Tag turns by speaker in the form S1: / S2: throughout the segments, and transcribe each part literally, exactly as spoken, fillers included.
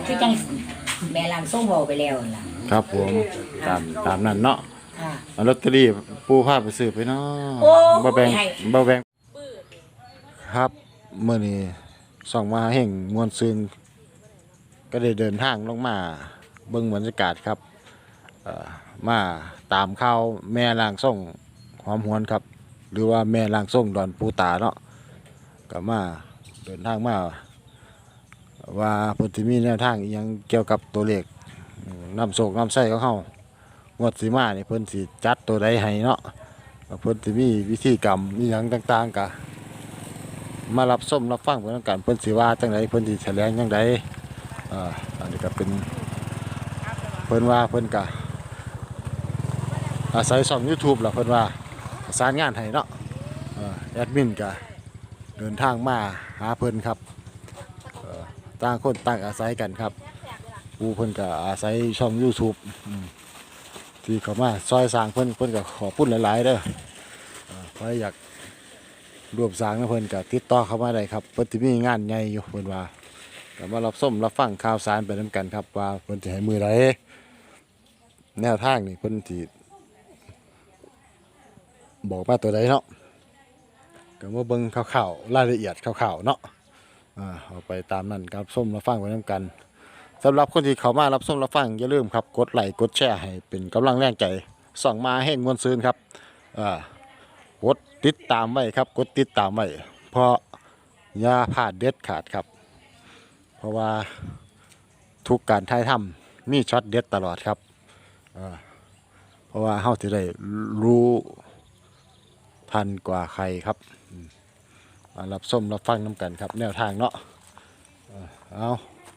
S1: คือจังแม่ล่างส่งเว้าไปแล้วล่ะ
S2: ครับผมตามตามนั้นเนาะ
S1: ค่ะ
S2: เอาลอตเตอรี่ปูพาไปซื้อไปเนาะ
S1: โอ้
S2: บ่แบ่ง
S1: ให้
S2: บ่แบ่งครับมื้อนี้ส่องมาแห่งมวลซึงก็ได้เดินทางลงมาเบิ่งบรรยากาศครับเอ่อมาตามข่าวแม่ล่างส่งหอมหวนครับหรือว่าแม่ล่างส่งดอนปูตาเนาะก็มาเดินทางมาว่าเพิ่นสิมีแนวทางอีหยังเกี่ยวกับตัวเลขนำโชคนำไส้ของเฮางวดสิมานี่เพิ่นสิจัดตัวใดให้เนาะเพิ่นสิมีวิธีกรรมอีหยังต่างๆก็มารับชมรับฟังเพิ่นกันเพิ่นสิว่าจังไดเพิ่นสิแถลงจังไดอ่าอันนี้ก็เป็นเพิ่นว่าเพิ่นก็อาศัยช่อง YouTube ล่ะเพิ่นว่าประสานงานให้เนาะเอ่อแอดมินก็เดินทางมาหาเพิ่นครับเอ่อต่างคนต่างอาศัยกันครับผู้เพิ่นก็อาศัยช่อง YouTube อืมที่เขามาซอยสร้างเพิ่นเพิ่นก็ขอพูดหลายๆเด้อเอ่อใครอยากร่วมสร้างนะเพิ่นก็ติดต่อเข้ามาได้ครับเพิ่นสิมีงานใหญ่อยู่เพิ่นว่าก็มารับชมรับฟังข่าวสารไปนํกันครับว่าเพิ่นสิให้มือใดแนวทางนี่เพิ่นสิบอกมาตัวใดเนาะก็มาเบิ่งข่าวๆรายละเอียดข่าวๆเนาะอ่าเอาไปตามนั้นครับชมรับฟังไปนํกันสำหรับคนที่เข้ามารับชมรับฟังอย่าลืมครับกดไลค์กดแชร์ให้เป็นกำลังแรงใจส่องมาแห่งมวลซืนครับอ่ากดติดตามไว้ครับกดติดตามไว้เพราะอย่าพลาดเด็ดขาดครับเพราะว่าทุกการถ่ายทำมีช็อตเด็ดตลอดครับอ่าเพราะว่าเฮาสิได้รู้ทันกว่าใครครับมารับชมรับฟังน้ำกันครับแนวทางเนาะเอา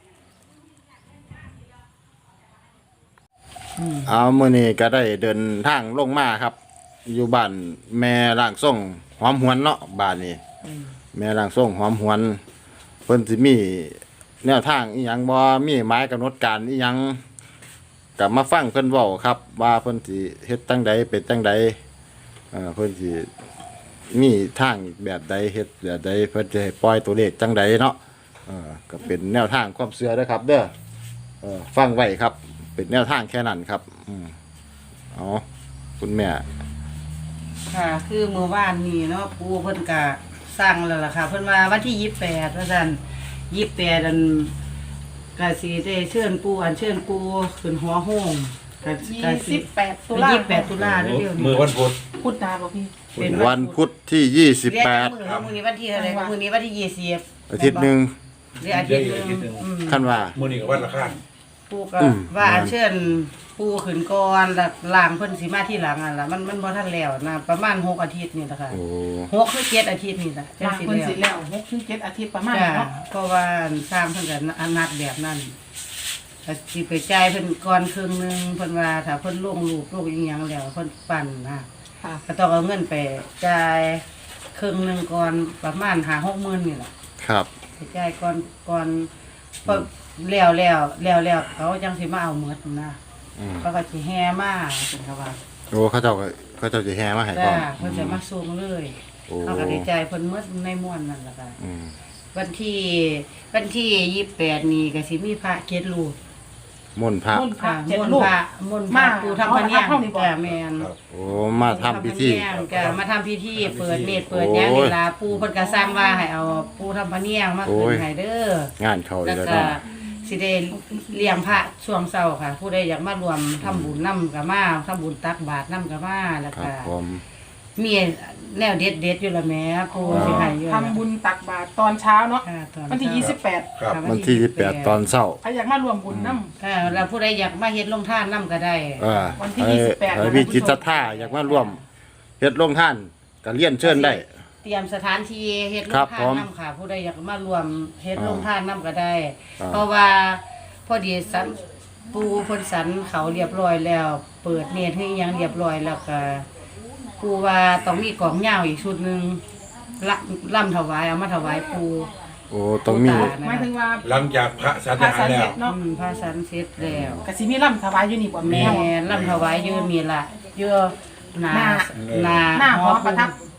S2: เอาเมื่อนี้ก็ได้เดินทางลงมาครับอยู่บ้านแม่ร่างทรงหอมหวนเนาะบ้านนี้แม่ร่างทรงหอมหวนเพิ่นสิมีแนวทางอีหยังบ่มีหมายกำหนดการอีหยังกลับมาฟังเพิ่นเว้าครับว่าเพิ่นสิเฮ็ดจังใดเป็นจังใดเอ่อเพิ่นสิมีทางแบบใดเฮ็ดแบบใดเพิ่นจะให้ปล่อยตัวเลขจังใดเนาะเออก็เป็นแนวทางความเชื่อเด้อครับเด้อเออฟังไว้ครับเป็นแนวทางแค่นั้นครับอืมเอาคุณแม่
S3: ค่ะคือเมื่อวานนี้เนาะปู่เพิ่นก็สั่งแล้วล่ะค่ะเพิ่นว่าวันที่ยี่สิบแปดว่าซั่นยี่สิบแปดอันก็สิได้เชิญปู่อันเชิญปู่ขึ้นหัวโฮงก็ก็สิ
S4: ยี่สิบแปดตุลา
S3: ยี่สิบแปดตุลาเร็วๆนี้
S5: มือวันพุธ
S4: พุทธาบ่พี่
S3: เป็น
S2: วันพุธที่ยี่สิบแปด
S3: เรียกมื้อมื้อนี้วันที่เท่าไหร่มื้อนี้วันที่ยี่สิบ
S2: อาทิตย์หนึง
S3: เรียกอาทิตย์หนึงอืม
S2: คันว่า
S5: มือนี้กับวันละข้าง
S3: ปู่ก็
S2: อืม
S3: ว่าอันเชิญปู่ขึ้นก่อนแล้วล่างเพิ่นสิมาที่หลังอ่ะล่ะมันมันบ่ทันแล้วนะประมาณหกอาทิตย์นี่ล่ะค่ะ
S2: โอ้
S3: หกหรือเจ็ดอาทิตย์นี่ล่ะจัง
S4: ลาง
S3: สิ
S4: คน
S3: แล้ว
S4: สิแล้วหกถึงเจ็ดอาทิตย์ประมาณ
S3: จ้า
S4: เนาะ
S3: เพราะว่าสร้างเพิ่นก็อนัดแบบนั้นก็สิไปจ่ายเพิ่นก่อนครึ่งหนึงเพิ่นว่าถ้าเพิ่นลงรูปลงอีหยังแล้วเพิ่นปั่นนะ
S4: ค่ะ
S3: ก็ต้องเอาเงินไปจ่ายครึ่งหนึงก่อนประมาณห้าหกหมื่นนี่แหละ
S2: ครับ
S3: ไปจ่ายก่อนก่อนพอแล้วแล้วแล้วแล้วเขาจังสิมาเอาหมดนะ
S2: อืม
S3: เขาก็สิแห่มาเพิ่นก็ว่า
S2: โอ้เขาเจ้าก็เขาเจ้าจะแห่มาให้พร้
S3: จ้า
S2: อม
S3: เพิ่นจะมาส่งเลย
S2: โอ้
S3: เขาก็ได้จ่ายเพิ่นหมดในม่วนนั่นล่ะค่ะ
S2: อืม
S3: วันที่วันที่ยี่สิบแปดนี่ก็สิมีพระเกศรูป
S2: มนต์พระ
S4: มุ่นพระ
S3: ค่ะ
S4: เจ็ด
S3: มนต์
S4: ลูก
S3: พระมนต์พระ
S4: มา
S3: ปูทำพะเนียง
S4: เอาละครับเท่านี้บ่
S3: จ้าแมน
S5: ครับ
S2: โอ้มาทำพิธี
S3: จ้ามาทำพิธีเปิดเนตรเปิดหยังนี่ล่ะปูเพิ่นก็สั่งว่าให้เอาปูทำพะเนียงมาขึ้นให้เด้อง
S2: านเขาอี
S3: แล้ว
S2: กแล้ว
S3: ก็
S2: เนาะ
S3: สิได้เลี้ยงพระช่วงเช้าค่ะ ผู้ใดอยากมารวมทำบุญนำก็มาทำบุญตักบาตรนำก็มาแล้ว
S2: ครั
S3: ก็
S2: บผม
S3: มีแนวเด็ดๆอยู่ละแหม่ปูสิให้อยู่
S4: ทำบุญตักบาตรตอนเช้าเนาะ
S3: ค่ะตอ
S4: วันที่ยี่สิบแปด
S5: ครับ
S3: ค่ะ
S2: วันที่ยี่สิบแปดตอนเช้า
S4: ใครอยากมารวมบุญน้ำ
S3: ค่ะแล้วผู้ใดอยากมาเฮ็ดลงทานนำก็ได้
S2: เออ
S4: วันที่
S2: ไอ้
S4: ยี่สิบแปด
S2: ไอ้พี่จิตศรัทธาอยากมาร่วมเฮ็ดโรงท่านก็เรียนเชิญได้
S3: เตรียมสถานที่เฮ็ดโร
S2: ครั
S3: ง
S2: บ
S3: ทา
S2: ผ
S3: น
S2: ม
S3: นำค่ะ ผู้ใดอยากมารวมเฮ็ด
S2: อ่า
S3: โรงทานนำก็ได้
S2: อ่า
S3: เพราะว่าพอดีสันปูเพิ่นสันเขาเรียบร้อยแล้ว เปิดเนตรให้อิหยังเรียบร้อยแล้วก็ปูว่าต้องมีกลองยาวอีกชุดหนึงละล่ำถวายเอามาถวายปู
S2: โอ้ต้องมี
S3: ปูตา
S4: หมายถึงว่า
S5: หลังจากพระสัน
S4: พระ
S5: หา
S4: สัน
S5: แล้
S4: เสร็
S5: ว
S4: จเนาะ
S3: อืมพระสันเสร็จแล้ว
S4: กสิมีล่ำถวายอยู่นี่บ่
S3: แม่
S4: แม่
S3: ล่ำถวายอยู่นี่ล่ะเยอะหนา
S4: หน้า หน้าหอประทับ
S3: แ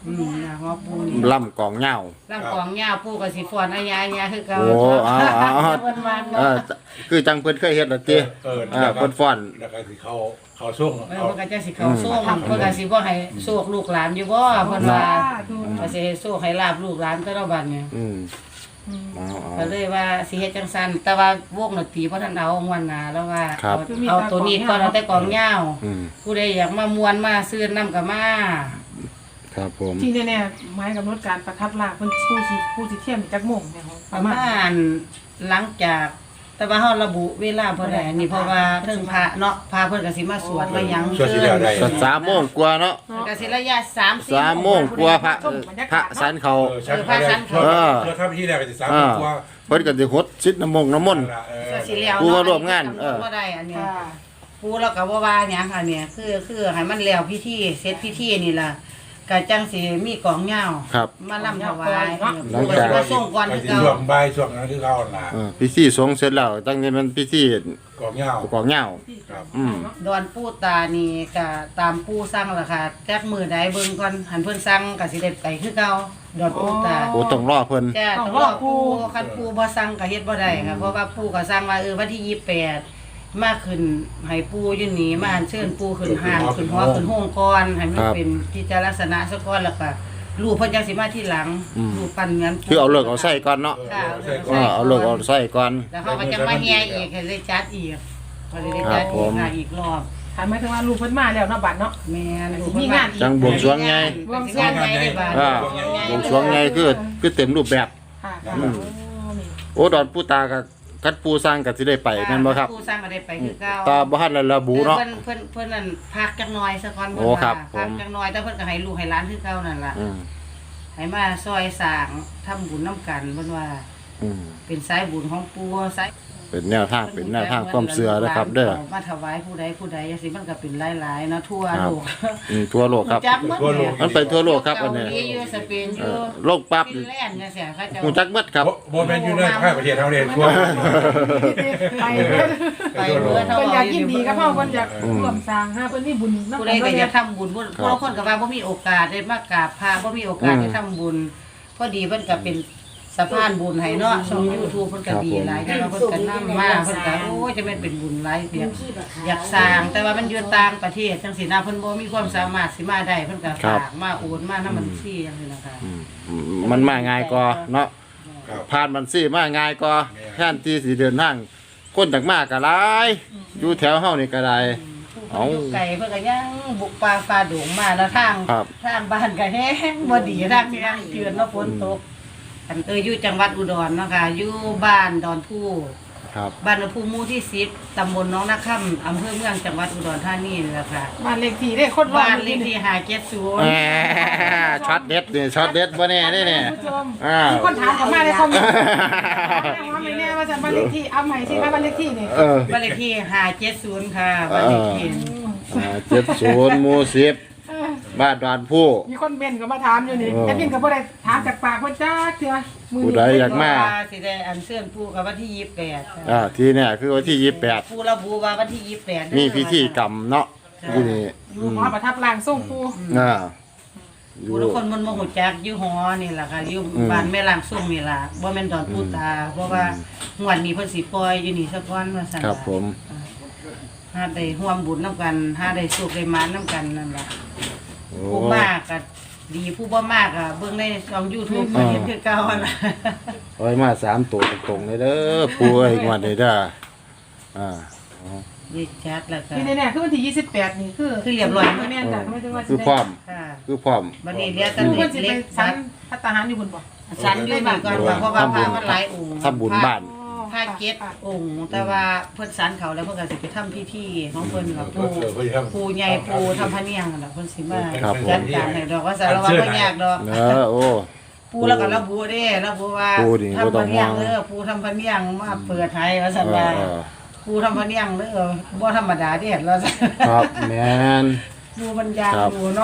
S3: อืมนะหัวปูนี่
S2: ล่ำกองเหย้า
S3: ร่างกองยาวปูกับสีฟอนอายาอายาคือเก่า
S2: โอ้เอาเอาเอา
S3: เพิ่นมา
S2: เออคือจังเพิ่นเคยเฮ็ดล่ะติ
S5: เออ
S2: อ่าเพิ่นฟ้อน
S5: แล้วก็สิเข้าเข้าช่วง
S3: เออ
S5: เอา
S3: เพิ่นก็จะสิเข้าโซ่เพิ่นก็สิบ่ให้โชคลูกหลานอยู่บ่เพิ่นว่าก็สิให้โชคให้ลาบลูกหลานแต่ละบัดเนี่ย
S2: อืมเอาเอา
S3: ก็เลยว่าสิเฮ็ดจังซั่นแต่ว่าวงดนตรีบ่ทันเอางวนหน้าแล้วว่า
S2: ครับ
S3: เอาเอาตัวนี้ก่อนเอาแต่กองยาว
S2: อืม
S3: ผู้ใดอยากมามวนมาซื้อน้ำก็มา
S2: ครับผม
S4: ที่แน่ๆไม้กำหนดการประทับลากเพิ่นผู้สิผู้สิเทียมจักโมงเนี่ยป
S3: ประ ระ
S4: มา
S3: มา
S4: ณ
S3: ณหลังจากแต่ว่าเฮาระบุเวลาบ่ได้นี่เพราะว่าเทิงพระเนาะพระเพิ่นก็สิมาสวดมาหยัง
S5: ช่วงที่แล้วได้
S2: ก็สามโมงกว่าเนาะ
S3: ก็สิระยะสามสี่
S2: สามโมงกว่าพระเออพระสันเขา
S5: เออชั้นเขาได้ช่วง
S2: เออ
S5: ช่วงทำพิธีแรกก็สิสาม
S2: อ่า
S5: กว่า
S2: เพิ่นก็สิหดชิดน้ำมงน้ำมนต์
S5: นั่นล่ะเออ
S3: ก็สิแล้ว
S2: ผู้มาร่วมงานเออ
S3: บ่ได้อันเนี้ย
S4: ค่ะ
S3: ผู้เราก็บ่ว่าหยังค่ะเนี่ยคือคือให้มันแล้วพิธีเสร็จพิธีนี่ล่ะก็จังสิมีกองยาว
S2: ครับ
S3: มาลำถวาย
S2: หลัง
S3: ผู้ก็
S2: จาก
S3: สิมาส่งก่อน
S5: ไป
S3: คือ
S5: สิ
S3: เก่า
S5: ช่วงบ่ายช่วงนั้นคือเขาน่ะ
S2: เออพิธีสงฆ์เสร็จแล้วตั้งนี้มันพิธี
S5: กองเหย้าก
S2: องเหย้า
S5: ครับ
S2: อืม
S3: ดอนปู่ตานี่ก็ตามปู่สั่งล่ะค่ะจักมื้อใดเบิ่งก่อนหันเพิ่นสั่งก็สิได้ไปคือเก่าดอนปู่ตา
S2: โอ้ต้องรอเพิ่น
S3: จ้าต้องรอปู่คันปู่บ่สั่งก็เฮ็ดบ่ได้ค่ะเพราะว่าปู่ก็สั่งว่าเออวันที่ยี่สิบแปดมาขึ้นให้ปู่อยู่นี่มาอัญเชิญปู่ขึ้นห้างขึ้นหัวขึ้นโฮงก่อนให้มันเป็นกิจลักษณะซะก่อนแล้วก็ลูกเพิ่นจังสิมาทีหลังลูกปั้นเหมือน
S2: คือเอาเลิกเอาใส่ก่อนเนาะ
S3: ค่ะ
S2: เออเอาเลิกเอาใส่ก่อน
S3: แล้วเขาก็จะมาแห่อีกให้ได้จัดอีกก็เลยได้จัด
S2: ครับผ
S3: อีก
S2: ม
S3: ค่ะอีกรอบ
S4: ถามหมายถึงว่าลูกเพิ่นมาแล้วเนาะบัดเนาะ
S3: แม่นลูก
S4: มีงาน
S2: จังบวงสรวงไง
S3: บวงสรวงไงได้บาด
S2: อ่าบวงสรวงไงคือคือเต็มรูปแบบ
S4: ค่ะ
S2: อืม
S4: โอ้นี่
S2: โอ้ดอนปู่ตากับกัดปูสร้างก็สิได้ไปแม่นบ่ครับ
S3: ผู้สร้างก็ได้ไปคือเก่า
S2: ตาบ่ทันได้ระบุเนาะ
S3: เพิ่นเพิ่นเพิ่นนั่นพักจักหน่อยซะก่อน
S2: โอ้ครับ
S3: พัก
S2: ผม
S3: จักหน่อยแต่เพิ่นก็ให้ลูกให้หลานคือเก่านั่นล่ะ
S2: อืม
S3: ให้มาซอยสร้างทำบุญนํกันเพิ่นว่า
S2: อืม
S3: เป็นสายบุญของปู่สาย
S2: เป็นแนวทางเป็นแนวทางความเชื่อนะครับ เด้อ
S3: มาถวายผู้ใดผู้ใดจังซี่มันก็เป็นหลายๆเนาะทั่ว
S2: ครับ
S3: โลก
S2: อืมทั่วโลกครับ
S3: จักหมด
S5: ทั่วโลก
S2: มันไปทั่วโลกครับอันนี้
S3: เกาหลีอยู่สเปนอ
S2: เอยู่ อโลกปั๊บ
S3: ฟินแลนด์จังซี่เขาเจะ
S2: ฮู้จักหมดครับ
S5: บ่บ่แม่นอยู่ในภาคประเทศเฮาเด้ทั่ว
S4: ไปเพิ่น
S3: ไปเพื่อเท่า
S4: เพิ่นอยากยินดีกับเฮา
S3: ค
S4: เพิ่นอยากร่วมสร้างหาเพิ่นมีบุญนำ
S3: ผู้
S4: กั
S3: ใด
S4: น
S3: ก็
S4: เนาะ
S3: อ
S4: เนี่ย
S3: าย กทำบุญผู้บางคนก็ว่าบ่มีโอกาสได้มากราบพระบ่มีโอกาสได้ทำบุญพอดีเพิ่นก็เป็นสะพานบุญให้เนาะช่อง YouTube เพิ่นก็ดีหลายแต่ว่าเพิ่นก็นำมาเพิ่นก็โอ้ยจะแม่นเป็นบุญหลายเดียวอยากสร้างแต่ว่ามันอยู่ต่างประเทศจังซี่นะเพิ่นบ่มีความสามารถสิมาได้เพิ่นก็ฝากมาโอนมานำบัญชีจังซี่นะคะ
S2: อืมมันมาง่ายกว่าเนาะ
S5: ครับ
S2: ผ่านบัญชีมาง่ายกว่าแทนที่สิเดินทางคนจากมากก็หลายอยู่แถวเฮานี่ก็ได้ เอา
S3: อยู่ไกลเพิ่นก็ยังบุกป่าฝ่าดงมาแล้วทาง
S2: ครับ
S3: ทางบ้านก็แห้งบ่ดีทางที่ทางเจือนเนาะฝนตกอันเอออยู่จังหวัดอุดรเนาะค่ะอยู่บ้านดอนผู้
S2: ครับ
S3: บ้านดอนผู้หมู่ที่สิบตำบลหน้องนาค่ำอำเภอเมืองจังหวัดอุดรธานีนี่แหละค่ะ
S4: บ้านเลขที่ได้คนรอ
S3: บ้าน
S4: อยู่
S3: เลขที่ห้าเจ็ดศูน
S2: แห
S3: ย์
S2: มช็อตเด็ดนี่ช็อตเด็ดบ่แน่เด้เนี่ย
S4: คุณผู้ชม
S2: อ่า
S4: มีคนถามเข้ามาในคอมเมนต์ว่าไม่แน่ว่าจะบ้านเลขที่เอาใหม่สิว่าบ้านเลขที่นี่
S2: เออ
S3: บ้านเลขที่ห้าเจ็ดศูนย์ค่ะบ้านเลขที่
S2: อ่าเจ็ดศูนย์หมู่สิบบ้านดอนผู้
S4: มีคนเบนก็มาถามอยู่นี่
S2: เออ
S4: แอดมินก็บ่ได้ถามจากปากเพิ่นจักเทื่อมื้อ
S2: ผู้
S4: นี้
S2: ใดอยากมา
S3: ว่สิได้อันเชิญปู่กับวันที่ยี่สิบแปดค่ะ
S2: อ่าที่เนี่ยคือวันที่ยี่สิบแปด
S3: ปู่ระบุว่าวันที่ยี่สิบแปดเด้อ
S2: มีพิธีกรรมเนาะที่นี่
S4: อยู่หอประทับร่างทรงปู่
S2: อ่าอยู่
S3: ผู้ทุกคนมันบ่ฮู้จักอยู่หอนี่ล่ะค่ะอยู่
S2: อืม
S3: บ้านแม่ล่างซุ่มนี่ล่ะบ่แม่นดอนปู่ตา เพราะว่างวดนี้เพิ่นสิปล่อยอยู่นี่ซะก่อนว่าซั่น
S2: ครับผม
S3: หาได้ร่วมบุญนํกันหาได้สุขได้หมานนํกันนั่นล่ะ
S2: โอ้
S3: ผู้มากก็ดีผู้บ่มากก็เบิ่งในช่อง YouTube ก็เห็นคือเก่าหั่นล่ะ
S2: โอ้ยมาสามตัวตรงๆเลยเด้อป่วยงวดนี้เด้ออ่า
S3: ดีจัดแล้วค่ะ
S4: ที่แน่ๆคือวันที่ยี่สิบแปดนี่คือ
S3: คือเรียบร้อย
S4: แม่นจ้ะไม่ถึงว่าสิ
S2: คือ
S4: ได้
S2: พร้อม
S3: ค่ะ
S2: คือพร้อม
S3: บัดนี้เหลือแต่
S4: คือ
S3: เล็
S4: เพิ่
S3: ก
S4: นสิไป
S3: เล็ก
S4: สั
S3: สั
S4: น
S3: น
S4: พัฒหารอยู่บนบ่
S3: สันอยู่นี่ก่อนว่าเพราะว่าพระมันหลายองค์
S2: ทำบุญบ้าน
S3: พระเจ็ดองค์แต่ว่าเพิ่นสันเขาแล้วเพิ่นก็สิไปทำพิธีของเพิ่นกับ
S5: เอ
S3: ปู่
S5: อเพิ่นสิทำ
S3: ปู่ใหญ่ปู่ทำพระเนียงนั่นล่ะเพิ่นสิมา
S2: ครับผม
S3: จัดการให้ดอกว่าสารวัตรบ่ยากดอก
S2: เนอโอ้
S3: ปู่แล้วก็ระบุเด้ระบุว่า
S2: ปู่นี่บ่
S3: ทำ
S2: ต้
S3: พ
S2: อง
S3: ระเนียง
S2: ห่วง
S3: เด้อปู่ทำพระเนียงมาเปิดให้ว่าซั่น
S2: เอ
S3: ว่า
S2: อเออ
S3: ปู่ทำพระเนียงเด้อบ่ธรรมดาเด้แล้วซั่น
S2: ครับแม่น
S3: ปู่มันยาง
S2: ครับ
S3: อยู่เนาะ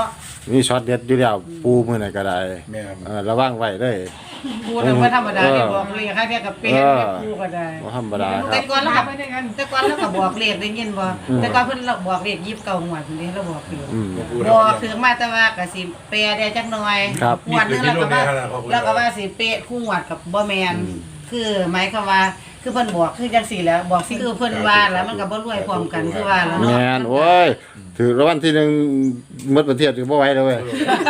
S2: มีช็อตเด็ดอยู่แล้วปูมื้อไหนก็ได้
S5: แม่น
S2: เออระวังไว้เด้อ
S3: ปูน่ะบ่ธรรมดาที่บอกเลขให้แค่กับเป็ดแม่ปูก็ได้
S2: บ่ธรรมดาค
S3: แต่
S2: รับ
S3: ก่อนแล้ว
S4: มา
S3: ก็
S4: ไปด้วยกัน
S3: แต่ก่อนแล้วก็บอกเลขได้ยินบ่
S2: อืม
S3: แต่ก่อนเพิ่นเราบอกเลขยี่สิบเก้าหวดนี่เราบอกอยู่
S2: อืม
S3: บอกถึงมาแต่ว่าก็สิเปรได้จักหน่อย
S2: ครับ
S3: หวดนึงแล้วก็ว่าแล้วก็ว่าสิเปรคู่หวดกับบ่แม่นคือหมายความว่าคือเพิ่นบอกคือจังซี่แหล้วบอกสิคือเพิ่นว่าแล้วมันก็บ่รวยพร้อมกันคือว่าแล้ว
S2: แม
S3: เนาะ
S2: นโอ้ยถือรางวัลที่หนึ่งหมดประเทศถือบ่ไหวเลยเว้ย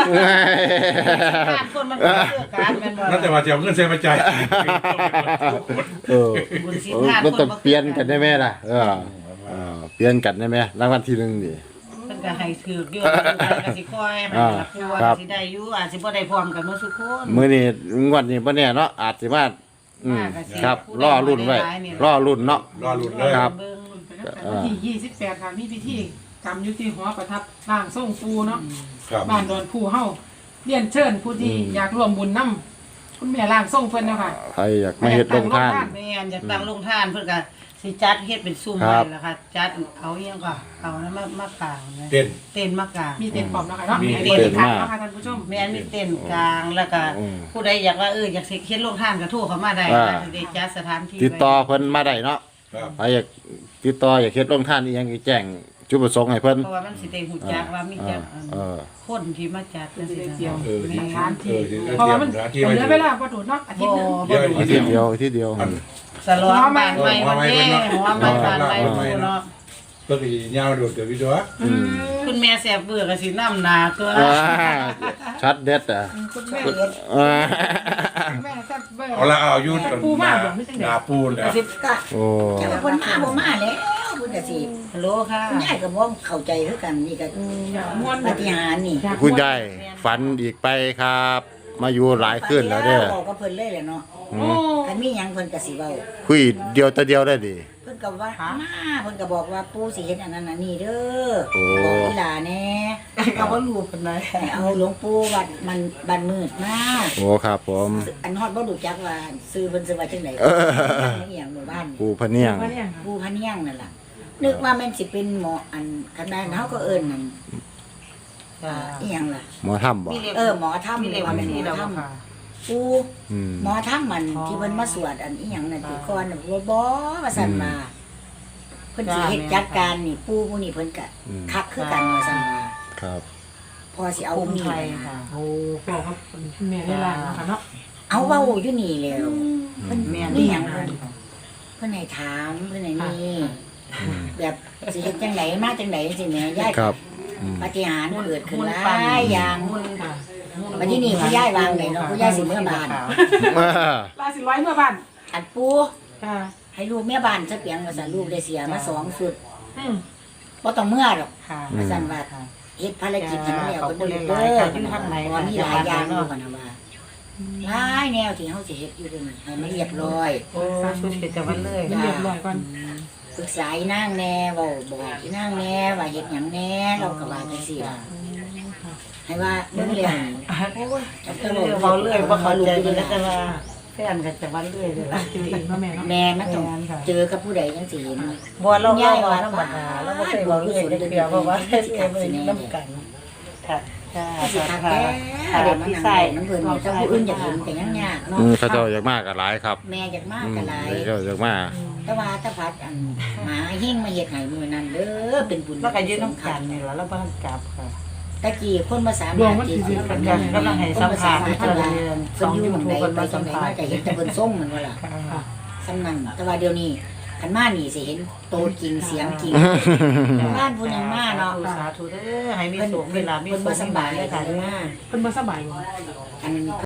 S3: การคนมันก็เลือกการแม่นบ่
S5: นั่นแต่ว่าจะเอาเงินเสียมาจ่าย
S2: เออ
S3: บุญศีล
S2: เออ
S3: ทาน
S2: มันต้อง
S3: คบ่
S2: เปลี่ยนกันได้ไหมล่ะเออเออเปลี่ยนกันได้ไหมรางวัลที่หนึ่งดิ
S3: เพิ่นก็ให้ถือกอยู่ก็สิคอยให้
S2: อ่า
S3: รับผู้
S2: ครั
S3: ว่า
S2: บ
S3: สิได้อยู่อาจสิบ่ได้พร้อมกันหมดทุกคน
S2: มื้อนี้งวดนี้บ่แน่เนาะอาจสิมาอืมครับรอรุ่นไว้รอรุ่นเนาะ
S5: รอลุ้นเลย
S2: ครับ
S3: เบิ่ง
S4: วันที่ยี่สิบแปดค่ะมีพิธีกรรมยุติหอประทับร่างทรงปูเนาะ
S5: ครับ
S4: บ้านดอนผู้เฮาเรียนเชิญผู้ที่อยากร่วมบุญนํคุณแม่ร่างทรงเพิ่นเนาะค่ะ
S2: ใครอยากมาเฮ็ดลงทาน
S3: แม่นอยากตั้งโรงทานเพิ่นก็สิจัดเฮ็ดเป็นซุ้ม
S2: ครั
S3: ไว้
S2: บ
S3: แล้วค่ะจัดเอาอีหยังก็เอานั้นมามากางนะ
S5: เต้น
S3: เต้นมากาง
S4: มีเต็นท์พร้อมเนาะค่ะเนาะ
S5: มี
S4: มี
S2: เต็
S4: เต็
S2: น
S4: น
S2: ท์
S4: ท์
S2: มา
S4: ค่ะเนาะค่ะท่านผู้ชม
S3: แม่นมีเต้นกลางแล้วก็
S2: อืม
S3: ผู้ใดอยากว่าเอออยากสิเฮ็ดโรงทานก็โทรเข้ามาได้
S2: อ่า
S3: ค่ะสิได้จัดสถานที่
S2: ติดต่อเพิ่นมาได้เนาะ
S5: ครับ
S2: ใครอยากติดต่ออยากเฮ็ดลงทานอีหยังก็แจ้งจุดประสงค์ให้เพิ่น
S3: เพราะว่ามันสิได้ฮู้จักว่ามีจัก
S2: เออ
S3: คนที่มาจัดจังซี่นะ
S4: เดียว
S5: เออ
S4: ใน
S5: ที่
S4: สถาน
S5: เอ
S4: ที่
S5: อที่
S4: เพราะว่ามัน
S5: สถานที่
S4: เห
S5: ไว้
S4: ลือเวลาบ่ถูกเนาะอาทิตย์หนึง
S5: เดี๋ยว
S2: อาทิตย์เดียวอาทิตย์เดียว
S5: อัน
S3: สลองบ้านใหม่วันนี้หัวใหม่บ้านใหม่ผู้เนาะ
S5: ก็คือยาวโดดเดี๋ยวพี่ตัว
S4: อืม
S3: คุณแม่แซ่บเบื่อก็สินำหน้าตัว
S2: อ่าชัดเด็ดอ่ะ
S4: คุณแม่
S2: อ่า
S4: แม่แซ่บเบอร์
S5: เอาละเอายุด
S4: ปูมากบ่ไม่จังได๋
S5: หนาปูนแล้ว
S1: สิบก็
S2: โอ้
S1: แต่ว่าคนมาบ่มาแล้วเพิ่นก็สิ
S3: ฮัลโหลค่ะ
S1: คุณยายก็บ่เข้าใจคือกันนี่ก็
S4: ม่วน
S1: ปาฏิหาริย์นี่
S2: คุณยายฝันอีกไปครับ มาอยู่หลายคืนแล้วเด้อ
S1: บอกกับเพิ่นเลยแหละเนาะ
S4: โอ้
S1: คันมีหยังเพิ่นก็สิเว้า
S2: คุยเดียวแต่เดียวได้ดิ
S1: เพิ่นก็ว่ามาเพิ่นก็บอกว่าปู่สิเฮ็ดอันนั้นอันนี้เด้อ
S2: โอ้
S1: บอกอีหลาแหน่
S3: ก็บ่รู้ปานใด
S1: ให้เอาหลวงปู่วัดมันบ้านมืดมา
S2: โอ้ครับผม
S1: อันฮอดบ่รู้จักว่าซื้อเพิ่นซื้อว่าจังได๋
S2: เออ
S1: อีหยังหมู่บ้าน
S2: ปูพะเนียง
S4: ว่าเนี่ยค่ะ
S1: ปู่พะเนียงนั่นล่ะนึกว่าแม่นสิเป็นหมออันคันนั้นเฮาก็เอิ้นนั่นอ่าอีหยังล่ะ
S2: หมอถ้ำบ่
S1: เออหมอถ้ำ
S3: มีเลข
S1: ว่า
S3: บัญ
S1: แม่นห
S3: ชี
S1: ม
S3: แล้
S1: อ
S3: ว
S1: ถ้ำ
S3: ค่ะ
S1: ปู่
S2: อืม
S1: หมอถ้ำมันที่เพิ่นมาสวดอันอีหยังนั่นที่ก่อนน่ะบ่บ่ว่าซั่นว่าเพิ่นสิเฮ็ดจัดการนี่ปู่ผู้นี้เพิ่นก็คักคือกันว่าซั่นว่า
S2: ครับ
S1: พอสิเอา
S3: ภู
S1: ผู้
S3: มิ
S1: นี้
S3: ไทย
S1: ไป
S3: ค่ะ
S4: โอ้บอกครับคุณแม่ได้ล่างนะคะเนาะ
S1: เอาเว้าอยู่นี่แล้วเพิ่น
S3: แม่น
S1: นี่
S3: นี่
S1: ห
S3: ห
S1: ยั
S3: ยัง ง
S1: เพิ่นเพิ่นให้ถามเพิ่นให้นี่แบบสิเฮ็ดจังไดมาจังไดสิแม่ยาย
S2: ครับอืม
S1: ปาฏิหาริย์เกิดขึ้นหลายอย่าง
S4: ค่ะ
S1: วันที่นี่คุณยายวางไหนเนาะคุณยายสิเมื่อบ้าน
S2: อ่า
S4: ลาสิร้อยเมื่อบ้าน
S1: อันปู
S4: ค่ะ
S1: ให้ลูกแม่บ้านซะเปียงว่าซั่นลูกได้เสียมาสองสุด
S4: อืม
S1: บ่ต้องเมื่อหรอก
S3: ค่ะ
S1: ว่าซั่นว่าเฮ็ดภารกิจให้มันแล้ว
S3: ขอบ
S1: ก็
S3: คุณ
S1: เด้อ
S3: หลายๆค่ะอยู่ทางไหน
S1: เพราะมีหลายอย่างอยู่กันนะว่าหลายแนวที่เฮาสิเฮ็ดอยู่เดี๋ยวนี้ให้มันเรียบร้อย
S3: โอ้ชุดเกิจวันเลย
S4: มันเรียบร้อยก่อน
S1: ปรึกษาอีนางแน่เว้าบอกอีนางแน่ว่าเฮ็ดหยังแน่เราก็ว่าจังซี่ล่ะให้ว่าเบิ่งเรื่องโอ้ยจัก
S3: เรื่
S1: จะ
S3: อง
S1: เว้า
S3: เบา
S1: เรื่
S3: เรื่
S1: อ
S3: อย ย
S1: บ่
S3: บ่
S1: เข้า
S3: เข้า
S1: ใจ
S3: ใจ
S1: เล
S3: เลย ย
S1: นะ
S3: นะว่าแฟนกันจะวันเรื่อยเลย
S4: เจอกันเนาะแม่เนาะ
S1: แม่มันต้องเจอกับผู้ใดจังสิเห็น
S3: บัวเราเล่าว่าธรรมดาเราบ่เคยเบาเรื่อยได้เดียวเพราะว่าเรื่อยเลยน้ำกันค่ะค่ะ
S1: สิทัก
S3: ค่ะ
S1: แก่
S3: ค่ะ
S1: เด็กมัน
S3: พี่
S1: นั่ง
S3: ใส่
S1: น้ำเพิ่นนี่ถ้าผู้อื่นอยากเห็นก็ยังยากเนาะ
S2: อืมเขาเจ้าอยากมากกับหลายครับ
S1: แม่อยากมาก
S2: อืม
S1: ก็หลาย
S2: เขาเจ้าอยากมาก
S1: แต่ว่าถ้าพัดอันหมาหิ้งมาเฮ็ดให้มื้อนั้นเด้อเป็นบุญ
S3: แล้วก็ยืนน้ำกันนี่แหละแล้วบ้านกลับค่ะ
S1: ตะกี้คนมาสาม
S4: ดวง
S1: ารถ
S4: มัน
S1: ที่
S4: สิ
S1: สิ
S4: กัน
S3: กันก็ต้องให้สัมภาษณ์
S1: เพิ่
S3: เพื่
S1: น
S3: อ
S1: ว่า
S3: เรียนส
S1: เพิ่
S3: อน ง
S1: อยู่
S3: ยู
S1: หม่อง
S3: ทู
S1: ใด
S3: บคน
S1: ไป
S3: มา
S1: จั
S3: สั
S1: ง
S3: ม
S1: ได
S3: ภา
S1: มา
S3: ษณ์
S1: ก็เห็นแต่เพิ่นส่งมันว่าล่ะ
S4: ค่ะ
S1: สำนั้นแต่ว่าเดี๋ยวนี้คันมานี่สิเห็นโตจริงเสียงจริงบ้านผู้ยังมาเนาะ
S3: สาธุเด้อให้มีสุขมีลาภมี
S1: เพิ่น
S3: สุ
S1: บ่
S3: ข
S1: สำบายเลยค่ะมา
S4: เพิ่นบ่สบายบ่
S1: อัน